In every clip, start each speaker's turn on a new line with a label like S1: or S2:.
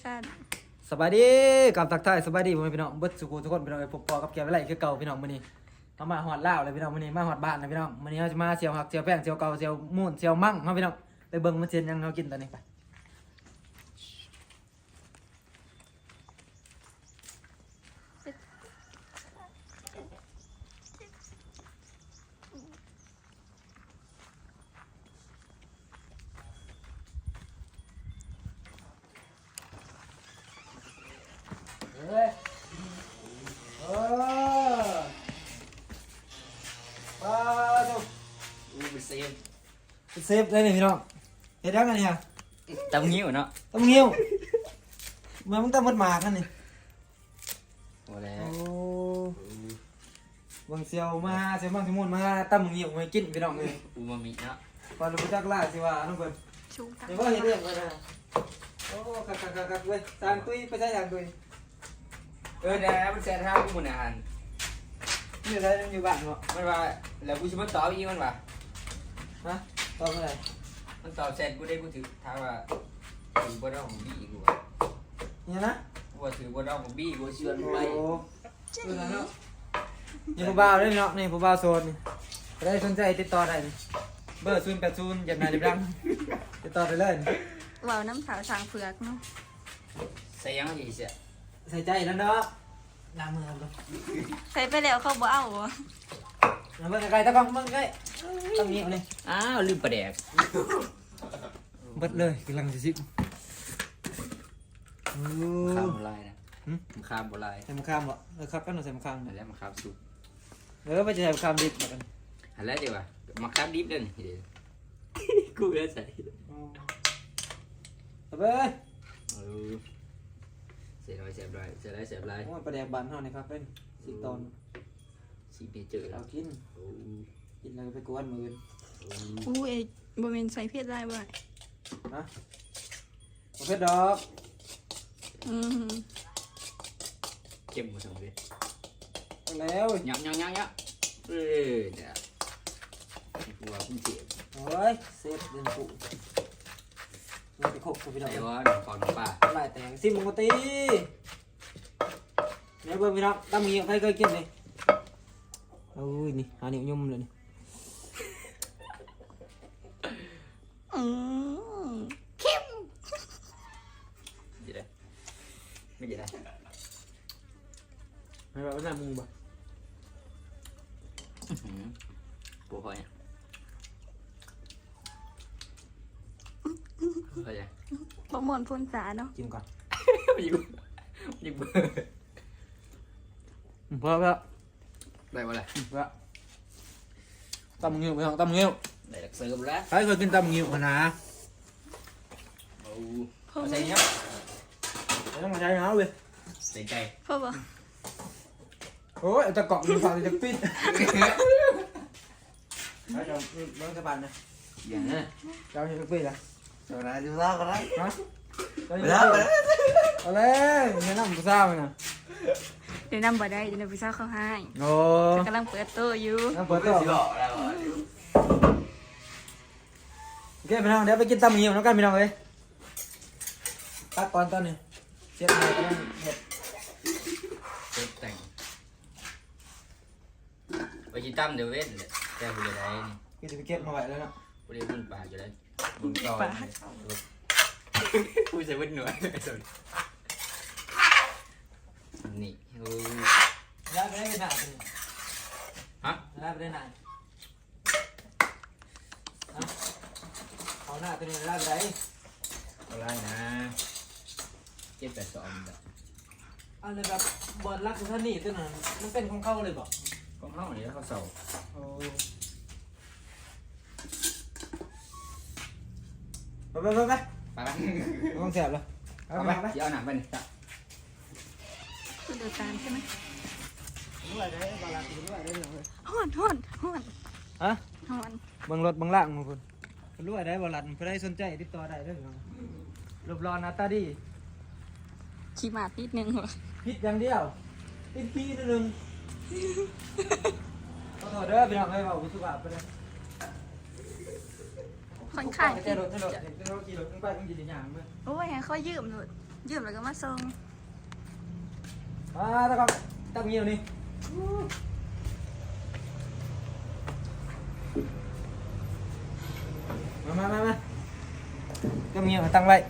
S1: สบายดีกับทักทายสบายดีพ่อแม่พี่น้องเบิดสุขุทุกคนพี่น้องพบปอกับแกไว้ไรคือเก่าพี่น้องมื้อนี้เอามาฮอดลาวเลยพี่น้องมื้อนี้มาฮอดบ้านนะพี่น้องมื้อนี้เราจะมาเสียวหักเสียวแป้งเสียวเก่าเสียวมูนเสียวมั่งเฮาพี่น้องไปเบิ่งมันเสียนยังเฮากินตอนนี้ไปเฮ้ยเออมาดู
S2: เป็นเซฟ
S1: เซฟเลยนี่พี่น้องเฮ็ดยังไงเนี่ย
S2: ตำงิ้วเนาะ
S1: ต้องเงี้ยวเมื่อมึงต้องมัดหมากนั่นนี่
S2: โอ้แล้
S1: โอ้
S2: ว
S1: บางเสียวมาเสียวบางสมุนมาตั้มเงี้ยวมากินพี่น้องเลย
S2: อูมามิเนาะ
S1: พอรู้จักล่าสิว่าน้องเพิ่น
S3: ชูกัน
S1: เดี๋ยวว่าเห็นเรื่องกันนะโอ้คักเว้ยทางตุ้ยไปใช้ทางตุ้ย
S2: เดี๋ยวมันแซ่บท่ากูมันอาหาร
S1: นี่อะไรอยู่บ้านเนาะ
S2: มันว่าแล้วกูชิมันตอบอีมันว่า
S1: ฮะตอบเมื่อไหร่
S2: มันตอบแซ่บกูได้กูถือถามว่าถือบนเราของบี้กู
S1: เนี่ยนะ
S2: กูว่าถือบนเราของบี้กูเชื่อมันไป
S1: โอ้เออเนาะนี่ผู้บ่าวด้วยเนาะนี่ผู้บ่าวโซนนี่ได้สนใจติดต่อได้นี่เบอร์080อย่ามาดิบดังติดต่อได้เลยนี่
S3: ว่าวน้ำสาวสางเผือกเนาะ
S2: ใส่ยังไงเสีย
S1: ใส่ใจแล้วเนาะล้างมือครับ
S3: ใส่ไปแล้วเขาบ่เอาบ่
S1: ล้างมือไกลๆตะกล้องมึงไกลต้องเงี้ยวนี่
S2: อ้าวลืมประแดก
S1: เบิดเลยกำลังจะซิบโอ้
S2: ข้ามโบราณนะมันข้ามโบราณ
S1: ใส่มะขามบ่ครับกันหน่อยใส่มะขาม
S2: อันแล้วมันข้ามสุก
S1: ไปจะใส่มะขามดิบเหมือนกัน
S2: อันแล้วเดี๋ยวมาข้ามดิบเด่นกูจะใส่
S1: เอาไปเลย
S2: เสียร้อยเสียร้อยเสียร้อยเสียร้อย
S1: โอ้ยประแดกบานเท่านี่ครับเป็นสิตอน
S2: สีเนเจอร์
S1: เอากินกินแล้วก็ไปกวนมือ
S3: อู้เอ้ยบ่แม่นใส่เพชรได้บ่
S1: นะประเภทดอก
S3: อืม
S2: เข้มหมดทั้งเลย
S1: เอาแล้ว
S2: ยับเดี๋ยวกูว่าคุณเจ็บ
S1: โอ้ยเซฟเดินปุ๊เราไปคบกับพี่น้อง
S2: ไอ้วะขอหนูป่า
S1: ลายแตงซิมปกติเนี่ยเบิ่งพี่น้องตั้มเงี้ยใครเคยกินนี่โอ้ยนี่หาเหนียวยุ่มเลยนี่
S3: อืมเข้ม
S2: ไม่ได้ไม่ได้
S1: ไม่แบบว่าหน้ามึงบ่
S2: ปูหอยเข้าใจ
S3: บ่ม่วนพ่นสาเนาะ
S1: กินก่อน
S2: ยิงเบอร์
S1: เพื่อ
S2: ได้ปะล่ะ
S1: ตั้มเงี้ยวพี่น้องตั้มเงี้ยว
S2: ได้หลักเสริมแล้ว
S1: ใครเคยกินตั้มเงี้ยวนะ
S2: โอ้
S3: พ่อ
S2: ใส่
S3: บ่
S2: เนาะ
S1: ไม่ต้องมาใช้เงาเลย
S2: ใส่ใจ
S3: พ่อบ่
S1: โอ้ยจะเกาะมันฝั่งจะปิ้นไปเดี๋ยวน้องสะบันนะ
S2: อย่างนั้น
S1: เจ้าจะปิ้นละ
S2: ตัวนั้นดูซ่ากันนะ
S1: ฮะเอาเลยแนะนำผู้สาวนะ
S3: เดี๋ยวนำบ่ได้เดี๋ยวพี่สาวเขาให้
S1: โอ้
S3: กำลังเปิดโตอยู่
S1: น้ำเปิดต่อ
S2: สิบอกแล้ว
S1: โอเคพี่น้องเดี๋ยวไปกินตำเงี้ยวน้องกันพี่น้องเลยตักก่อนตอนนี้เสียบไม้กันเห็ด
S2: เต็มแต่งไปกินตั้มเดี๋ยวเว้นเลยแต่กูจะได้นี่
S1: ก็จะไปเก็บมาไว้แล้วเนาะ
S2: กูได้บุญปลาอยู่เลยบุญต่อกูจะเว้นหน่วยสุดนี่โอ้
S1: ย้ายไปได้ขนาดนี้
S2: ฮะ
S1: ย้ายไปได้นานเอาหน้าตัวนี้ย้ายไปได้
S2: อะไรนะ782แบบ
S1: อันนี้แบบบอลรักของท่านนี่ตัวนั้นมันเป็นของเขาเลยบอก
S2: ก็ห้องนี้เขาเสา
S1: โอ้ไป
S2: ไปไหม
S1: ต้องแสบเลย
S2: ไปเดี๋ยวหนักไปนี่
S3: คือเดือดตามใช่ไหม
S1: ด้วยได้บาลานซ์ด้วยได้เลย
S3: ฮ้อน
S1: ฮะ
S3: ฮ้อน
S1: บางรถบางล่างของคุณรู้ได้บอลันเพื่อได้สนใจติดต่อได้เด้อรูปรอหน้าตาดี
S3: ขี้หมาดนิดนึงว่ะ
S1: พิษอย่างเดียวติดขี้นิดนึงขอโทษเด้อพี่น้องเอ้ยว่าอุสุบาไปเลย
S3: ค่อนข้าง
S1: จะรถขี่รถขึ้นไปต้องยืนอย่างมั้ย
S3: โอ้ยให้เขายืมหนุดยืมแล้วก็มาส่ง
S1: ตะกอนตั้งเงี้ยวนี่มาตั้งเงี้ยวตั้งไว้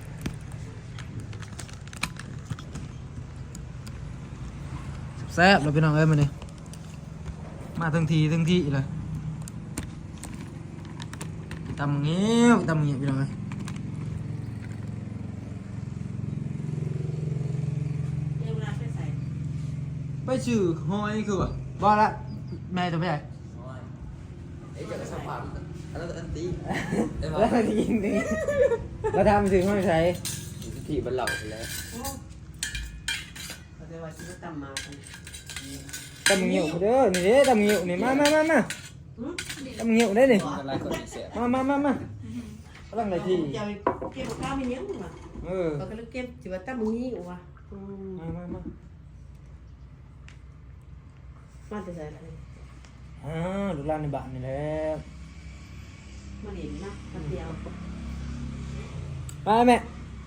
S1: แซ่บเราไปน้องเอ้ยมาเนี่ยมาทั้งทีเลยตำเงี้ยวพี่น้องเอ้ยไปชื่อหอยคือบ่ละแม่จะไปไหน
S2: ไอ้เจ้าก็สัมผัสอันนั้นอันตีไอ้
S1: แล้วจริงดิเราทำถึงห้องใช้
S2: ที่มันเหล่าไปแล้ว
S4: เขาจะว่าซื้อตำมากัน
S1: ตำเงี้ยวเด้อนี่เด้ตำเงี้ยวนี่มาตำเงี้ยวได้นี่
S2: อะไรก็ไม่เสีย
S1: มากำลังไรที่
S4: จะเก็บข้าวไม่เนี้ยมึงอ่ะ ก็เลยเก็บสิว่าตำมึงนี่ว่ะ
S1: มา
S4: มาแต่ใส่อะไร
S1: ลูกหลานในบ้านนี่แหละ
S4: มาเห็นนะมาเดียว
S1: มาแม่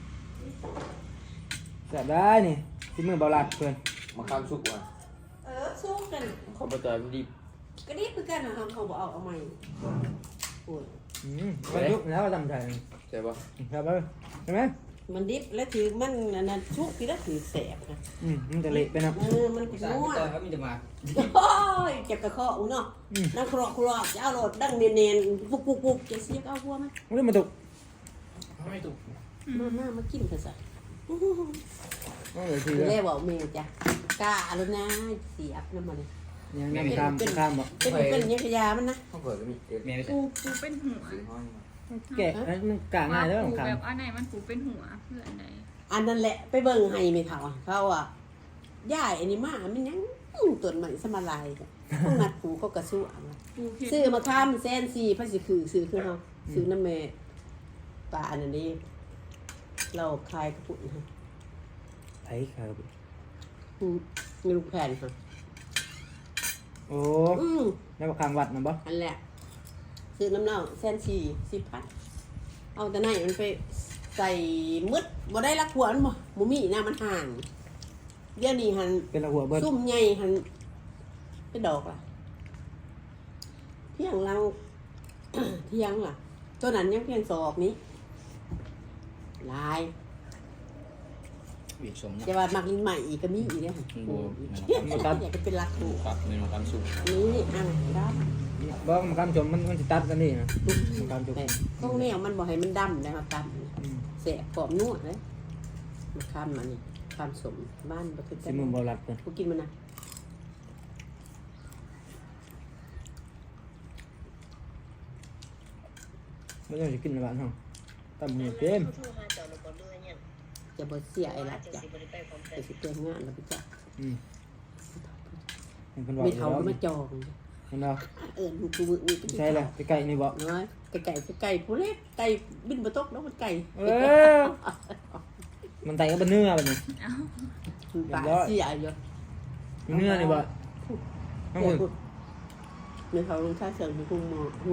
S1: แซ่บได้นี่ที่มือเบาหลัดเพื่อน
S2: มาข้ามสุกว่ะ
S4: สู้กัน
S2: ขอประจอยมันดี
S4: ก็นี่คือกันนะครับเขาบอกเอาใหม่โอ้ย
S1: มันยุบแล้วก็ทำใจ
S2: ใช่ปะ
S1: ครับใช่ไหม
S4: มันดิบแล้วถือมันนั่นชุกที่แล้วถือแสบนะ
S1: มันจะเละไปนะ
S4: มัน
S2: พี่
S4: เป็น
S2: สาว
S4: นัว
S2: พี่จอยครับมีแต่มา
S4: โอ้ยเก็บกระเคาะอุ้งเนาะนั่งครอกจะเอาโหลดดังเนียนๆปุกจะเสียเอาหัวมัน
S1: มันเริ่มมาตก
S2: ไม่ถูก
S4: มากินเถอะสิ
S1: มันเลยที
S4: เรียกว่าเมย์จ้ะกล้าแล้วนะเสียบน้ำมัน
S1: ยังข้ามบอก
S4: เป็นยังขยามันนะ
S2: ข้าวเผือกก็มีเมียไม่ใช่
S3: ปูเป็นหัว
S1: แกะมันกะง่ายแล้ว
S3: ปู
S1: ข้าม
S3: แบบอันไหนมันปูเป็นหัวเพื่ออันไหน
S4: อันนั้นแหละไปเบิ่งให้ไม่เท่าเขาอ่ะย่ายอันนี้มามันยังต้นใหม่สมาลายจ้ะพวกนัดผูเขากระสู้อ่ะ
S3: ปูเผ็ด
S4: ซื้อมาข้ามแซนซีพระสิคือซื้อคือเขาซื้อน้ำเมปลาอันนี้เราคลายกระปุกนะ
S1: ไอ้ครับ
S4: มีลูกแผ่นค่ะ
S1: โอ้แล้วข้างวัดนะบ่
S4: อันแหละซื้อน้ำเน่าแซนซี10,000เอาแต่ไหนมันไปใส่มืดบ่ได้ละขวานบ่มีหน้ามันห่างเดี๋ยวนี้หัน
S1: เป็นหัวเบิร์ด
S4: ซุ่มใหญ่หันเป็นดอกล่ะเพียงเรา เที่ยงล่ะตัวนั้นยังเพียงศอกนี้ลาย
S2: บีบสมนะ
S4: จะว่ามักลิ้นใหม่อีกก็มีอีกเนี่ย อยากจะเป็นรักถูก
S2: ครับเมนูข้ามสุก
S4: นี่อ่างด
S1: บ่มันข้ามชมมันจะตัดกันนี่นะ
S4: ำ
S1: ข้ามชม
S4: แต่ต้องแนวมันบอกให้มันดำนะครับดำเสียกรอบนวดเลยมันข้ามมานี่ข้ามสมบ้านประเทศ
S1: สิมือเบาหลัดเพื่อน
S4: กูกินมันนะ
S1: ไม่ต้องจะกินในบ้านห้องตำเงี้ยวเต็ม
S4: จะบ่เสียไอ้รัดจ้ะจะสิเตือนงานแล้วพี่จ้ะ
S1: มันเป็นว่า
S4: ไม่เท่า
S1: แล้ว
S4: มาจอง
S1: มันเอา
S4: ลูกกูมือนี่
S1: ใช่เลยไปไก่นี่บ่
S4: น้อยไก่ผู้เล็กไก่บินบะตกแล้วมันไก่
S1: มันไตก็เป็นเนื้อแบบนี้
S4: ปลาเสียอยู่
S1: เนื้อนี่บ่ทั้งหมด
S4: เนื้อเขาลงท่าเสริมมีกุ้งหมู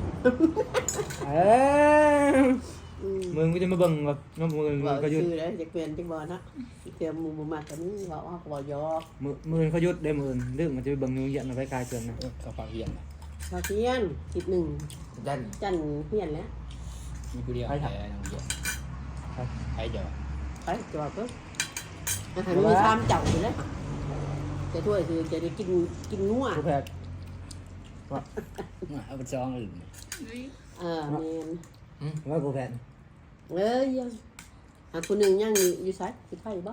S1: มึงก็จะมาเบิ่งแบบน้องมึง
S4: บอก
S1: เขาหยุด
S4: ชื่อแล้วจะเปลี่ยนจังบ่นะเตรียมหมูมาแต่นี่บอกว่าบ่ยอก
S1: มือเขาหยุดได้มือเรื่องมันจะไปเบิ่งนิ้วเหยียดมาไปกายเกินนะ
S2: ข้าวฟังเฮียนนะ
S4: ข้าวเที่ยงคิดหนึ่ง
S2: ดัน
S4: จันเพี้ยนแล้ว
S2: มีผู้เดียวใครอะไรน้องเดียวใครเดียว
S4: ไปจอดก็อาหารมีชามเจ้าอยู่แล้วจะถ้วยคือจะได้กินงัว
S1: ผู้แพทย์
S2: เอาไปจองอื่น
S4: เมน
S1: ว่าผู้แพทย์
S4: ยังคนหนึ่งยังอยู่ไสอยู่ไผบ่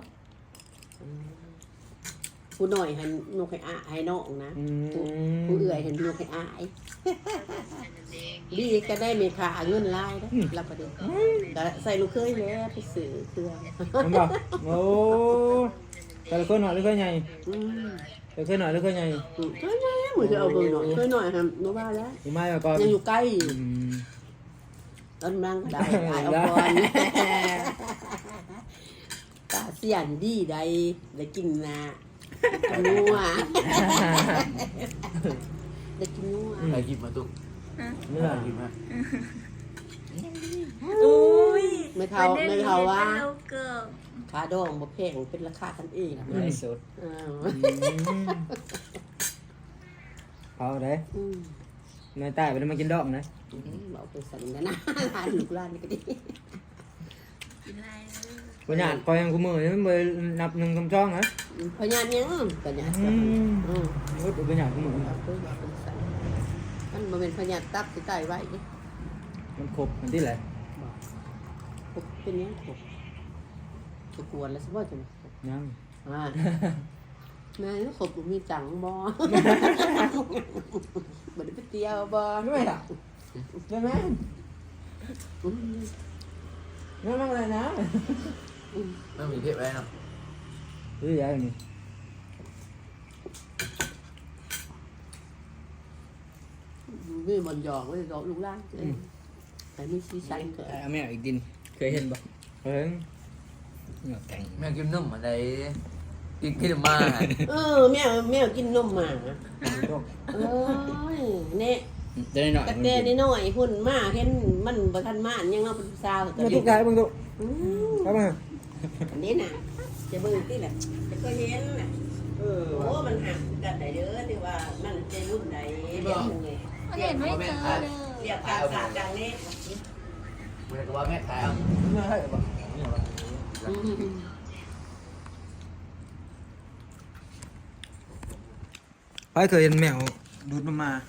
S4: ผู้หน่อยหันนกให้อาให้น้องนะผู้เอื่อยเห็นนกให้อายดีก็ได้เมค่าเงินลายได้รับประเด็นแต่ใส่ลูกเคยแล้วไปซื้อเครื่อง
S1: มันบอกโอ้แต่ละคนหน่อยหรือคนใหญ่แต่คนหน่อยหรือคนใหญ่
S4: เคยไงเหมือนจะเอาเบิ่งหน่อยเคยหน่อยครับโนบ้าแล้ว
S1: อยู่ไม่มาก่อน
S4: ยังอยู่ใกล้ต้นมังก็ได้อายเอาก่อนตาเสียนดีได้ได้กินนะนัวได้กินนัว
S2: ใครกินมาตุ๊ก
S1: เนื้อ
S2: กินมา
S3: อุ้ย
S4: ไม่เท่าว่าขาดองบ่แพงเป็นราคากันเอง
S2: ไร้สด
S4: อ้าว
S1: เอาได้
S4: อืม
S1: นายใต้ไปแล้วมากินดอกนะ
S4: บอกไปสั่นกันนะร้านลูกร้านนี่ก็ดี
S3: กินอะไรเลย
S1: ปัญญาคอยยังกูมือยังไม่นับหนึ่งคำจ้องนะ
S4: พญานยังพญาน
S1: อืม
S4: อืม
S1: พูดปัญญากูมือ
S4: เอาไปบอกเป็นสั่นมันบ่เป็นพญานตับที่ใต้ไว้นี่
S1: มันครบมันที่ไหน
S4: บอกครบเป็นยังครบจะกวนแล้วสิว่าจะครบ
S1: ยัง
S4: อ่าแม่นี่ครบมีจังบ่บ่ได้ไปเที่ยวบ่
S1: ไม่หรอกยังไง
S4: อืม
S1: ไม่มาอะไรนะ
S2: ไม่มีเพชรไว้เนาะ
S1: หรือยังนี่
S4: มีบนหยองไว้ดอกลูกหล้านแต่มีสีสันเกิด
S2: แม่อีกดินเคยเห็นปะ
S1: เฮ้ย
S2: เหงาแข็งแม่กินนุ่มอะไรกินมา
S4: แมวกินนมหมาเอ้ยเนี่ย
S2: จะได้หน่อย
S4: กระเตนน้อยหุ่นมากเห็นมันบ่ทันมายังเราเป็นสาว
S1: มาทุกข์มึงทุก ครับมา
S4: อันนี้น่ะจะเบิ่งที่แหละจะก็เห็นน่ะโอ้มันหักกันได้เด้อที่ว่ามันจะรุ่นใดเรียกมันไง
S3: มันเห็นไม่เจอเลย
S4: เรียกการศาสตร์ดังนี้
S2: มันก็ว่าแม่ขาย
S1: ไม่ให้ปะไปเคยเห็นแมวดูดนมมา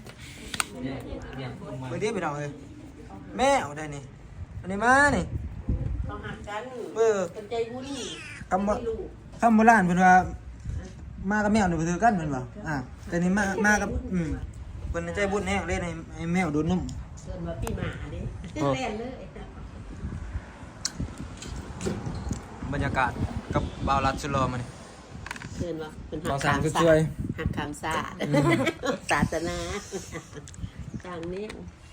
S1: เมื่อเดียวไปเอาเลยแมวได้นี่อันนี้มานี่
S4: เขาหักกัน
S1: เออ
S4: เป็นใจบุญ
S1: คำว่าคำโบราณเพิ่นว่ามากับแมวนี่บ่ถือกันเพิ่นว่าแต่นี่มากับเพิ่นใจบุญแห้งเลยให้แมวดูดนม
S4: เกินมาปีหมาดิเล่นเลย
S1: บรรยากาศกับบ่าวรัดสุรอมานี่
S4: เกินว่าเป็น
S1: บ่า
S4: หั
S1: ว
S4: ก
S1: สา
S4: ขาม ม
S1: คือ
S4: ศา
S1: ช่วย
S4: หักขามศาสตร์ศาสนาจางนี้
S1: บ